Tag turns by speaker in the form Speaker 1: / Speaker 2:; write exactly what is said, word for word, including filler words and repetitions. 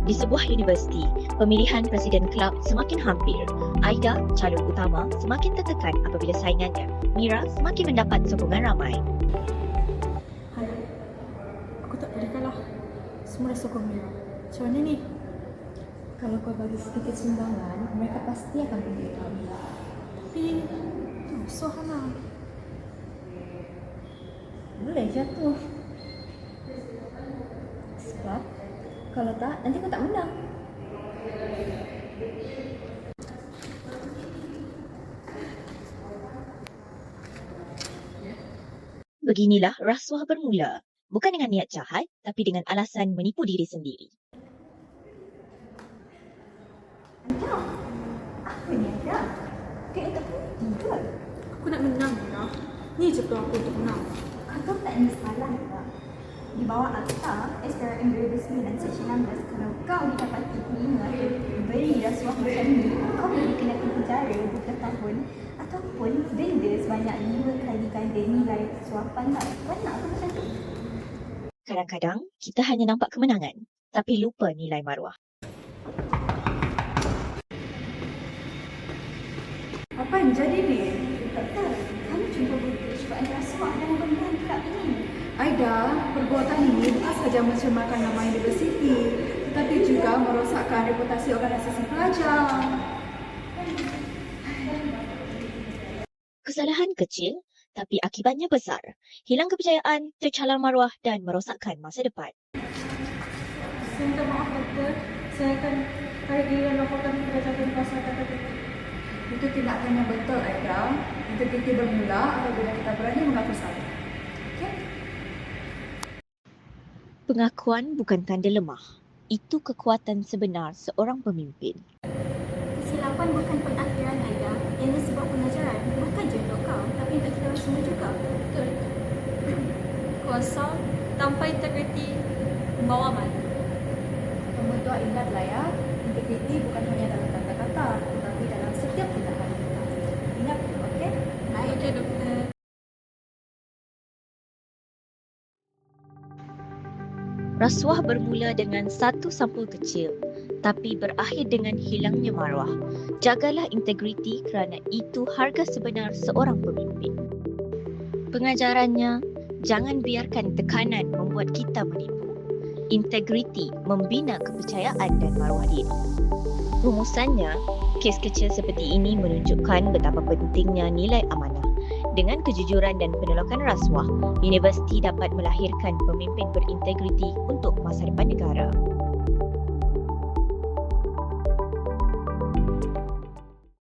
Speaker 1: Di sebuah universiti, pemilihan presiden kelab semakin hampir. Aida, calon utama, semakin tertekan apabila saingannya, Mira, semakin mendapat sokongan ramai.
Speaker 2: Hai, aku tak boleh kalah. Semua dah sokong Mira. Macam mana ni?
Speaker 3: Kalau kau bagi sedikit sumbangan, mereka pasti akan pilih kau.
Speaker 2: Tapi, musuh Hana.
Speaker 3: Boleh jatuh. Sebab, kalau tak, nanti kau tak menang.
Speaker 1: Beginilah rasuah bermula. Bukan dengan niat jahat, tapi dengan alasan menipu diri sendiri.
Speaker 3: Ada. Apa ni ada? Kau tak putih ke?
Speaker 2: Aku nak menang, Mira. Ni je peluang aku untuk menang.
Speaker 3: Kau tak ada salah tak? Di bawah Akta S R M dua ribu sembilan Seksyen enam belas, kalau kau didapati terima atau beri rasuah macam ni, kau boleh dikenakan penjara beberapa tahun ataupun denda sebanyak lima kali ganda nilai suapan tak. Kau nak apa macam tu?
Speaker 1: Kadang-kadang, kita hanya nampak kemenangan, tapi lupa nilai maruah.
Speaker 2: Apa yang jadi ni?
Speaker 3: Doktor, kamu cuba bukti cubaan rasuah dalam pemilihan kelab ini.
Speaker 2: Aida, perbuatan ini bukan sahaja mencemarkan nama universiti, tetapi juga merosakkan reputasi organisasi pelajar.
Speaker 1: Kesalahan kecil, tapi akibatnya besar. Hilang kepercayaan, tercalar maruah dan merosakkan masa depan.
Speaker 2: Saya minta maaf, doktor. Saya akan tarik diri dan laporkan kepada pasal kata Itu tindakan yang betul, Aida. Integriti bermula apabila kita berani mengaku salah. Okey?
Speaker 1: Pengakuan bukan tanda lemah. Itu kekuatan sebenar seorang pemimpin.
Speaker 3: Kesilapan bukan pengakhiran Aida. Ini sebuah pengajaran. Bukan je untuk kau, tapi untuk kita semua juga.
Speaker 4: Betul. Kuasa tanpa integriti membawa mana?
Speaker 3: Pembentuk ingatlah ya, integriti bukan hanya dalam kata-kata, tetapi dalam setiap tindakan kita. Ingat itu, okey? Baik.
Speaker 4: Okey, doktor.
Speaker 1: Rasuah bermula dengan satu sampul kecil, tapi berakhir dengan hilangnya maruah. Jagalah integriti kerana itu harga sebenar seorang pemimpin. Pengajarannya, jangan biarkan tekanan membuat kita menipu. Integriti membina kepercayaan dan maruah diri. Rumusannya, kes kecil seperti ini menunjukkan betapa pentingnya nilai amanah. Dengan kejujuran dan penolakan rasuah, universiti dapat melahirkan pemimpin berintegriti untuk masa depan negara.